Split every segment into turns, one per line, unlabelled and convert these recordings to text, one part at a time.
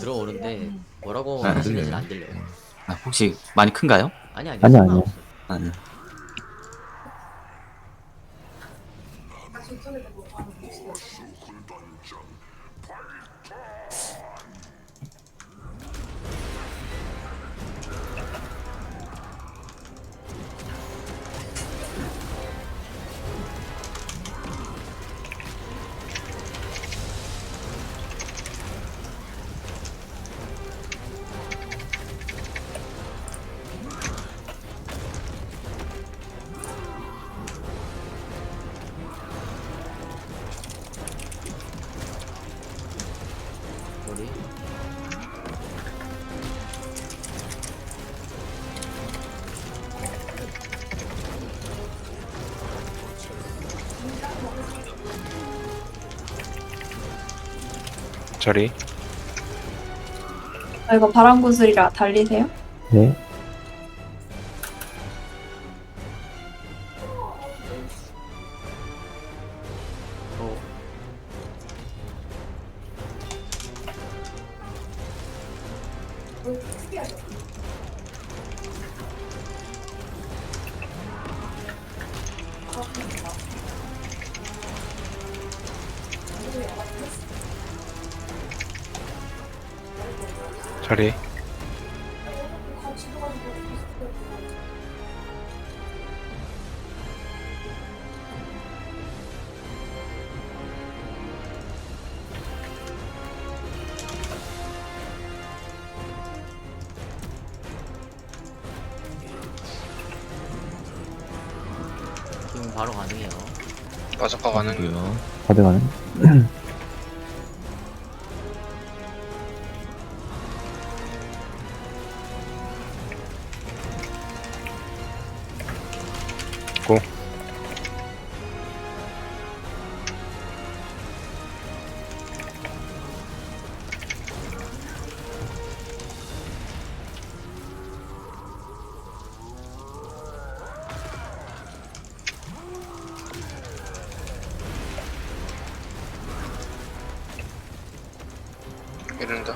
들어오는데 뭐라고
안
하시는지는
들려요.
안 들려요.
아, 혹시 많이 큰가요?
아니 아니요,
아니요, 아니요.
상관없어요.
아니.
우리
저리.
이거 바람구슬이라 달리세요?
네.
어,
저리.
지금 바로 가능해요.
마저가 가는
그리고요.
가져가는.
고.
이른다.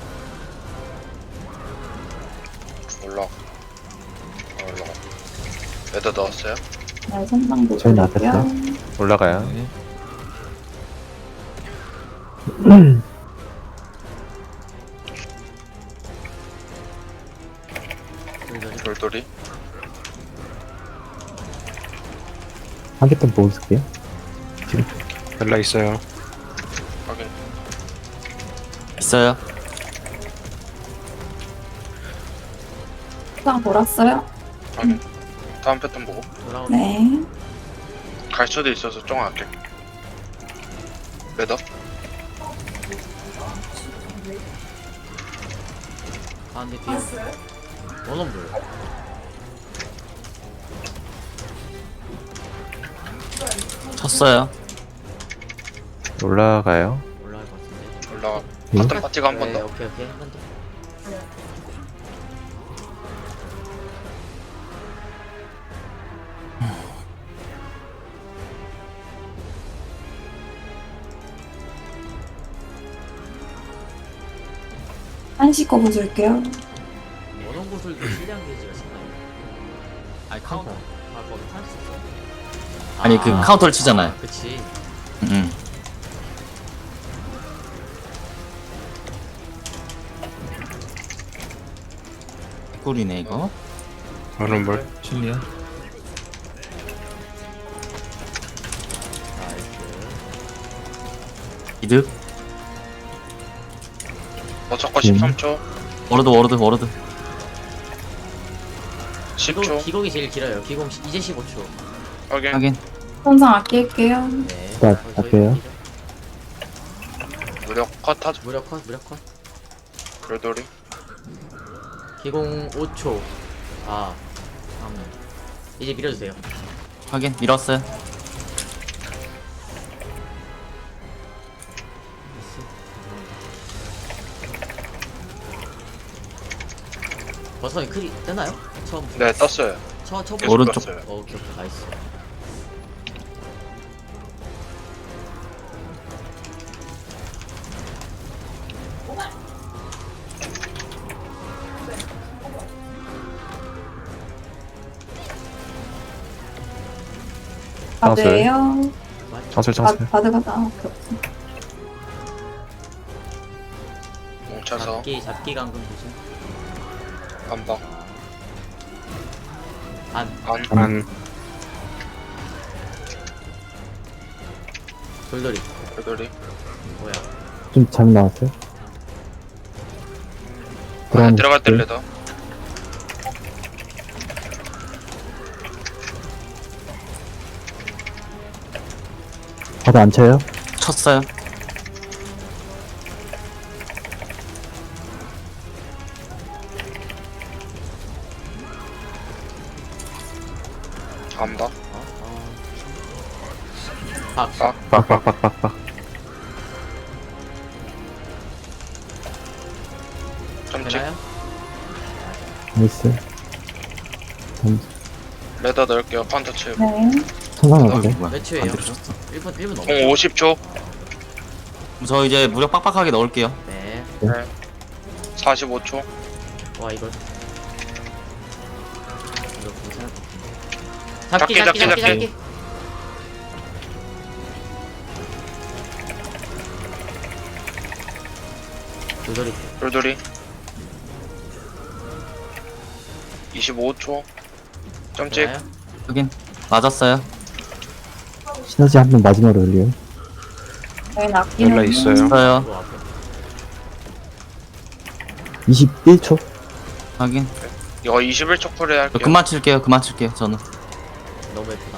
올라가. 올라가. 매더 넣었어요?
네, 선상도
저희
돌리고요.
나왔어요?
올라가요.
네.
돌돌이
돌돌이.
한 개 더 보고 있을게요.
연락 있어요.
확인.
있어요.
선상 돌았어요?
확인. 다음 패턴 보고.
돌아오는
네.
갈 수도 있어서 좀 아낄게. 매더.
가운데 뒤에 원원불
쳤어요.
올라가요.
올라갈 것 같은데.
올라가.
네.
파트 파티가 한 번
네,
더.
오케이 오케이 한 번 더.
한시 거 보여줄게요.
원원구슬도 실량 게이지가 있나요? 아니 카운터. 아 거기 탈수 있어.
아니, 그 카운터를 치잖아요.
그치.
응. 꿀이네 이거.
얼음물.
실리야.
나이스.
이득.
어저거 13초.
워러드.
기공,
10초.
기공이 제일 길어요. 기공 이제 15초.
확인.
확인.
선상 아낄게요.
네.
자,
저희
갈게요.
거기죠.
무력 컷 하죠.
무력 컷, 무력 컷.
돌돌이.
기공 5초. 아, 3. 이제 밀어주세요.
확인. 밀었어요.
버섯이 크리 뜨나요? 처음.
네, 떴어요.
첫
계속
오른쪽.
떴어요.
오케이, 나이스.
바드예요.
장술 장술.
바드 가다.
뭉쳐서
잡기 감금 조심.
반박.
안.
안.
돌돌이.
궤도리.
뭐야?
좀 잘못 나왔어요?
안에
들어가면
들어갈 때
돼.
레더.
바드 안 쳐요?
쳤어요.
반박.
박.
빡빡빡빡빡.
점찍.
되나요?
나이스.
레더 넣을게요. 카운터 치.
네.
천상 어때?
뭐야?
몇 초예요?
안 들으셨어.
1분 넘어.
공 50초.
저 이제 무력 빡빡하게 넣을게요.
네.
네. 45초.
와 이거. 이거 괜찮을 것 같은데.
잡기, 잡기.
돌돌이.
돌돌이. 25초. 점찍.
되나요?
확인. 맞았어요.
시너지 한 번 마지막으로 올려요.
저희는 아끼는.
렐라 있어요.
있어요.
이거 앞에.
21초?
확인.
이거 21초 쿨에
저
할게요.
그만 칠게요. 그만 칠게요. 저는.
너무 예쁘다.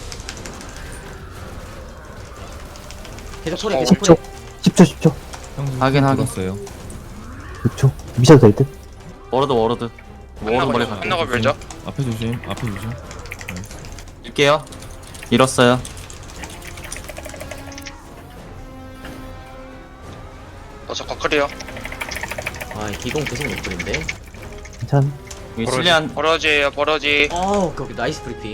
계속 소리
어,
계속
10초?
소리.
10초 10초.
확인 확인.
6초. 미셔도 될 듯?
워러드. 워러드 멀리 갈게요.
끝나고 밀죠.
앞에 조심, 앞에 조심.
밀게요. 밀었어요.
어서커 클리어.
아 기공 계속 못 뿌린데.
괜찮.
여기 실리안
버러지에요. 버러지.
오케이 나이스 브리핑.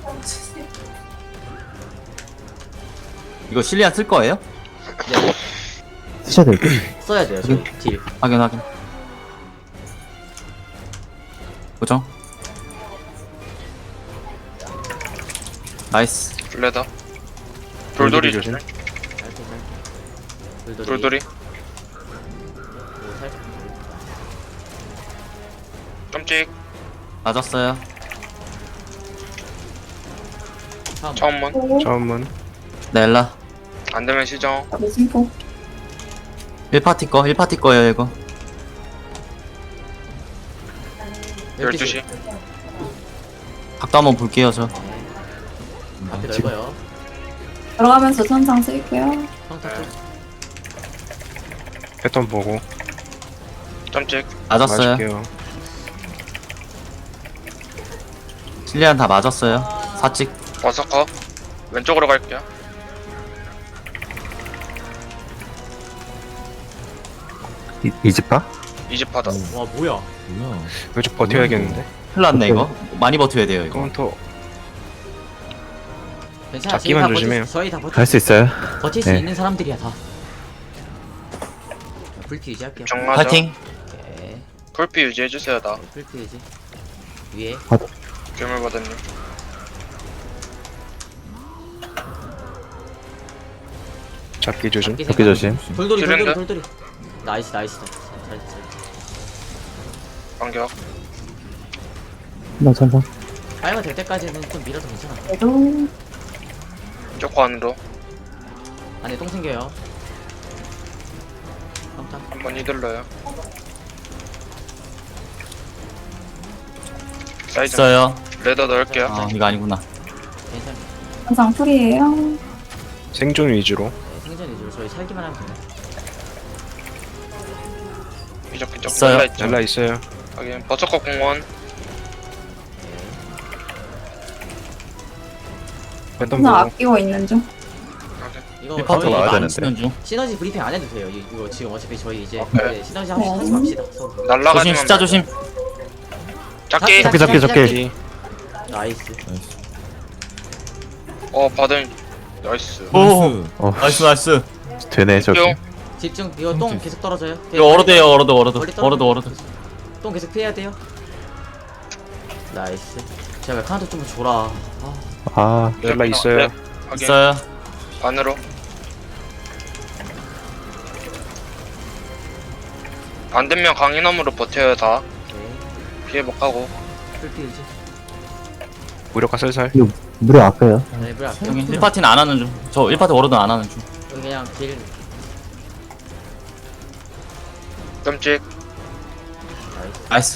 이거 실리안 쓸 거예요?
쓰셔도 될 듯?
써야 돼요 저희 딜.
확인. 고정. 나이스.
레더. 돌돌이
조심.
조심.
살짝.
돌돌이.
오, 살짝.
점찍.
맞았어요.
처음 문.
오.
처음은
넬라.
안 되면 시정.
바드 심포.
1파티 거예요 이거.
12시.
각도 한번 볼게요 저.
네. 앞에 넓어요.
들어가면서 천상 쓸게요.
평타 쪽.
패턴 보고
점찍.
맞았어요.
맞을게요.
실리안 다 맞았어요. 사찍.
어서커. 왼쪽으로 갈게요.
이집파?
이집 바다.
와 뭐야?
뭐야?
왼쪽 버텨야겠는데.
큰일 났네 이거. 많이 버텨야 돼요 이거.
카운터
괜찮아.
잡기만
저희 다
조심해요.
저희 다 버틸
갈 수 있어요?
버틸 수
네.
있는 사람들이야 다. 불피 유지할게요.
정맞아.
파이팅.
오케이.
쿨피 유지해주세요. 나.
불피 유지. 위에.
괴물 바다님.
잡기 조심.
잡기
잡기
생각.
조심.
돌돌이.
줄인데?
나이스. 잘했어.
반격.
나 천상.
빨면 될 때까지는 좀 밀어도 괜찮아.
그래도.
조커 안으로.
안에 똥 생겨요. 평타.
한번 휘둘러요. 사이즈.
있어요.
레더 넣을게요.
아 이거 아니구나.
괜찮아.
천상 풀이에요.
생존 위주로.
네, 생존 위주로 저희 살기만 하면 돼요.
기적기적.
있어요.
렐라 있죠.
렐라 있어요.
확인. 버서커 공원.
패턴
천상
보고
아끼고 있는 중.
확인.
이거
1파트
저희
와야
안
되는데. 쓰는 중.
시너지 브리핑 안 해도 돼요. 이거 지금 어차피 저희 이제
오케이.
네, 시너지 하지 맙시다. 서로.
날라가지만.
조심 숫자 조심.
작기.
잡기.
나이스.
나이스.
받은. 나이스.
오.
나이스.
나이스.
되네
뿅.
집중. 이거 똥 계속 떨어져요.
이거 워러드에요 워러드.
멀리 떨어져.
워러드.
똥 계속 피해야 돼요. 나이스. 제가 카운트 좀 줘라. 아.
아,
렐라 있어요.
네, 확인.
있어요.
안으로. 안 되면 강인함으로 버텨요 다.
오케이.
피해복하고.
풀피 유지.
무력화 슬슬.
무료 아까요.
네, 불 앞에.
여기 1파티는 안 하는 중. 저 1파티 워로드는 안 하는 중.
여기 그냥 딜.
끔찍.
나이스.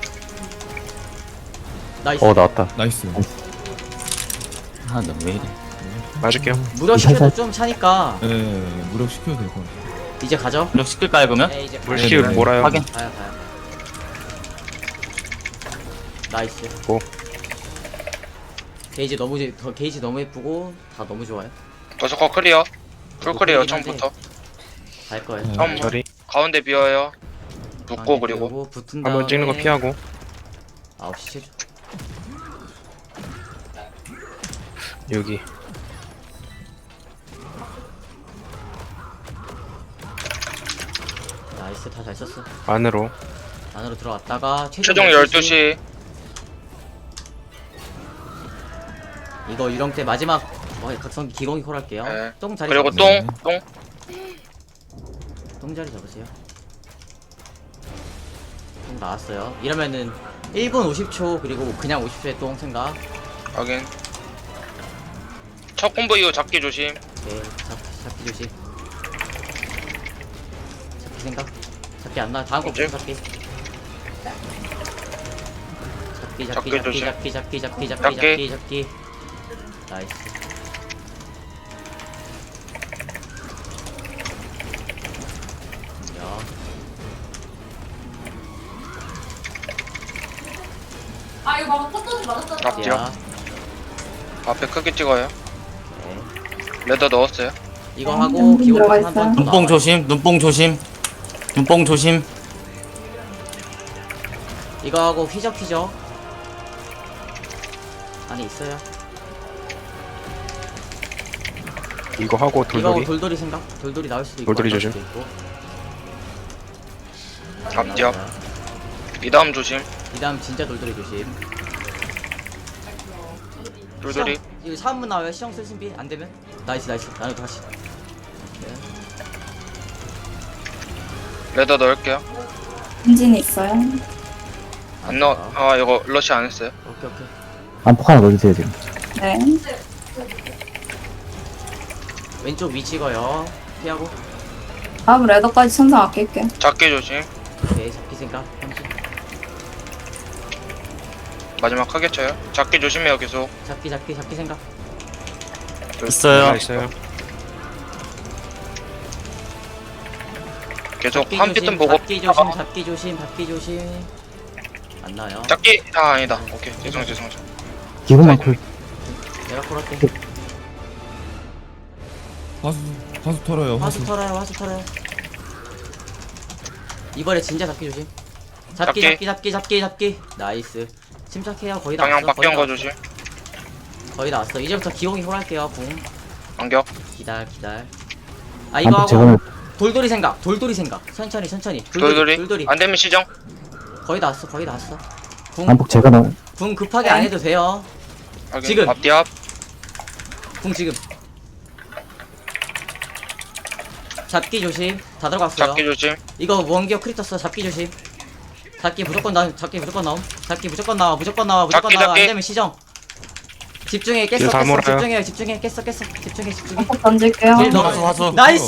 나이스.
나이스.
나왔다.
나이스.
아, 너 왜 이래.
맞을게요.
무력 시켜도 좀 차니까
예, 무력 시켜도 될 것 같아.
이제 가죠.
무력 시킬까요, 그러면?
네, 이제
물
가요.
시킬
네네.
몰아요.
확인.
가요. 나이스.
고.
게이지 너무 게이지 너무 예쁘고 다 너무 좋아요.
버서커 클리어. 풀 클리어 처음부터.
갈 거예요.
네.
처음
저리.
가운데 비어요. 붙고 그리고.
그리고 붙은 다음에
한번 찍는 거 피하고.
9시 체조.
여기.
나이스. 다 잘 썼어.
안으로.
안으로 들어왔다가
최종 12시.
이거 유령 때 마지막 각성 기공이 콜 할게요.
네.
똥 자리
그리고
잡으세요.
똥.
똥 자리 잡으세요. 똥 나왔어요. 이러면은 1분 50초 그리고 그냥 50초의 똥 생각.
확인. 첫 콤보 이후 잡기 조심.
오케이. 잡기 조심. 잡기 생각. 잡기 안 나. 다음 거 무슨 잡기.
잡기 조심.
잡기. 나이스. 야.
아 이거 막 헛소리 맞았잖아.
앞뒤요.
야.
앞에 크게 찍어요.
오케이.
레더 넣었어요.
이거 하고 기본
들어가
한번
있어요.
눈뽕 조심, 눈뽕 조심. 눈뽕 조심.
이거 하고 휘적 안에 있어요.
이거 하고
이거 하고
돌돌이.
돌돌이 생각. 돌돌이 나올 수도 있고.
돌돌이
안 나올
조심.
수도 있고.
앞뒤 앞. 이 다음 조심.
이 다음 진짜 돌돌이 조심.
돌돌이.
시정, 이거 3분 나와요. 시정 쓸 준비 안 되면. 나이스. 나는 다시. 오케이.
레더 넣을게요.
엔진이 있어요.
안 넣어. 아 이거 러시 안 했어요.
오케이.
안폭 하나 넣어주세요, 지금.
네.
왼쪽 위 찍어요. 피하고.
다음 레더까지 천상 아낄게.
잡기 조심.
오케이. 잡기 생각. 30.
마지막 크게 쳐요. 잡기 조심해요 계속.
잡기 생각.
있어요.
렐라 있어요.
계속
잡기
한
조심,
피튼 보고.
잡기 조심. 안 나요.
잡기. 아 아니다. 오케이. 죄송.
기본만 콜.
내가 콜할게.
화수 털어요.
화수 털어요. 이번에 진짜 잡기 조심. 잡기. 나이스. 침착해요. 거의 다
방향
왔어.
바뀌는 거 조심.
거의 다 왔어. 이제부터 기공이 홀할게요. 궁.
반격.
기다려. 아 이거
안폭
하고
제거는
돌돌이 생각. 천천히.
돌돌이. 안 되면 시정.
거의 다 왔어.
안폭 제거 넣어.
궁 급하게 안 해도 돼요.
확인.
지금.
앞뒤 앞.
궁 지금. 잡기 조심. 다 들어갔어요.
잡기 조심.
이거 원기어 크리터스 잡기 조심. 잡기 무조건 나옴. 잡기 무조건 나와.
잡기.
안 되면 시정. 집중해. 깼어.
다 몰아요.
집중해. 깼어. 집중해.
한폭 던질게요.
딜 넣어.
화수.
나이스.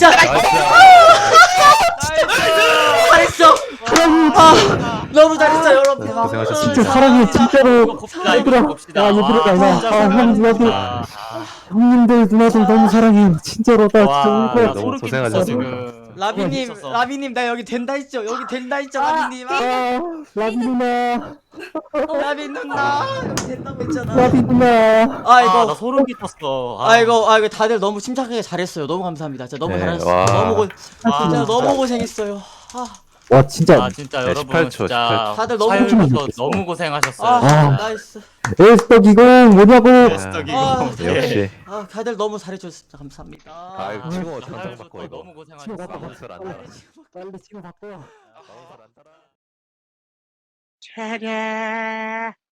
잘했어. 너무 잘했어 여러분.
고생하셨습니다. 진짜 사랑해, 진짜로. 얘들아, 얘들아, 형, 누나들. 형님들, 누나들 너무 사랑해. 진짜로, 나 진짜 울 거야.
너무 고생하셨습니다.
라비님 나 여기 된다 했죠. 라비님.
라비 누나,
라비 누나 여기 된다고 했잖아.
라비 누나.
나 소름 끼쳤어.
아이고 다들 너무 침착하게 잘했어요. 너무 감사합니다. 진짜 너무 잘하셨어요. 진짜 너무 고생했어요.
와, 진짜.
진짜 여러분 진짜
다들 너무
사연부터 너무 고생하셨어요.
나이스.
에스덕 이거 뭐냐고.
역시.
다들 너무 잘해줘서 진짜 감사합니다.
지금 당장 바꿔 이거. 너무 고생하셨어.
빨리 지금 바꿔.
차례.